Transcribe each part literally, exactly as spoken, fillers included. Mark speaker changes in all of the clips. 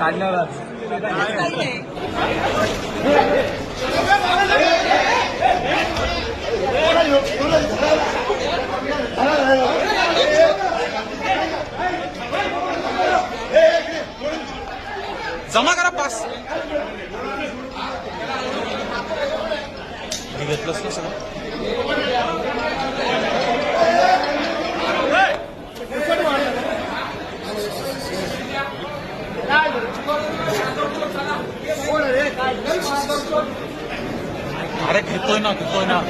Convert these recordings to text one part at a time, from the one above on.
Speaker 1: काढणारच जमा करा पास घेतलंच ना सगळं अरे घेतोय ना घेतोय ना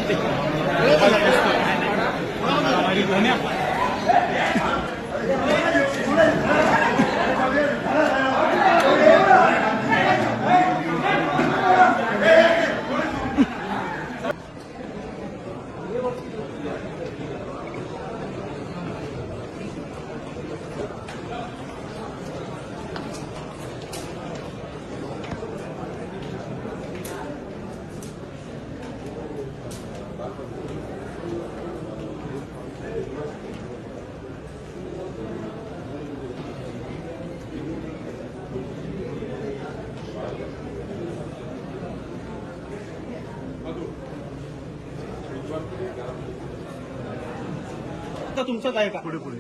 Speaker 1: तुमचंच आहे का पुढे पुढे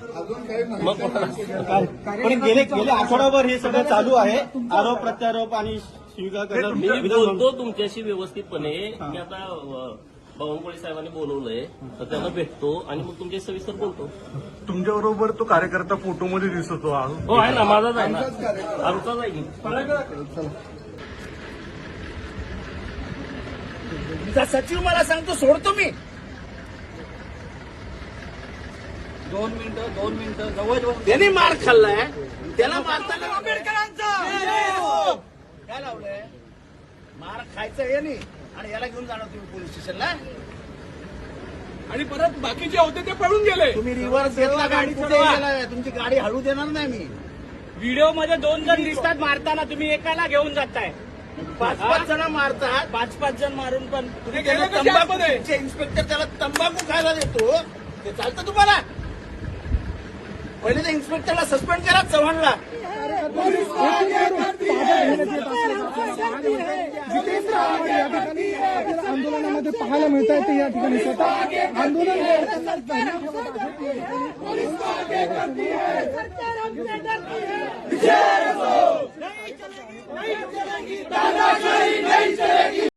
Speaker 1: पण गेले गेले आठवडाभर हे सगळं चालू आहे आरोप प्रत्यारोप आणि स्वीकार करणं.
Speaker 2: मी बोलतो तुमच्याशी व्यवस्थितपणे. मी आता बावनकुळे साहेबांनी बोलवलंय तर त्यांना भेटतो आणि मग तुमच्या सविस्तर बोलतो.
Speaker 3: तुमच्या बरोबर तो कार्यकर्ता फोटोमध्ये दिसतो.
Speaker 2: हो आहे ना, माझाच आहे ना, आमचाच आहे की.
Speaker 4: सचिव मला सांगतो सोडतो मी. दोन मिनिटं दोन मिनिटं जवळ त्याने मार खाल्लाय, त्याला मारताना आंबेडकरांचा काय लावलंय. मार खायचं हे नाही आणि याला घेऊन जाणार तुम्ही पोलीस स्टेशनला
Speaker 1: आणि परत बाकीचे होते ते पळून गेले.
Speaker 4: तुम्ही रिव्हर्स घेतला, गाडी कुठे गेलाय, तुमची गाडी हळू देणार नाही मी.
Speaker 5: व्हिडिओ मध्ये दोन जण दिसतात मारताना, तुम्ही एकाला घेऊन जाताय.
Speaker 4: पाच पाच जण मारतात,
Speaker 5: पाच पाच जण मारून पण
Speaker 4: तुम्ही तंबाखू इन्स्पेक्टर त्याला तंबाखू खायला देतो, ते चालतं तुम्हाला. पहिले त्या इन्स्पेक्टरला सस्पेंड करा, चव्हाणला.
Speaker 6: आंदोलनामध्ये पाहायला मिळत आहे ते या ठिकाणी स्वतः आंदोलन
Speaker 7: नहीं चलेगी,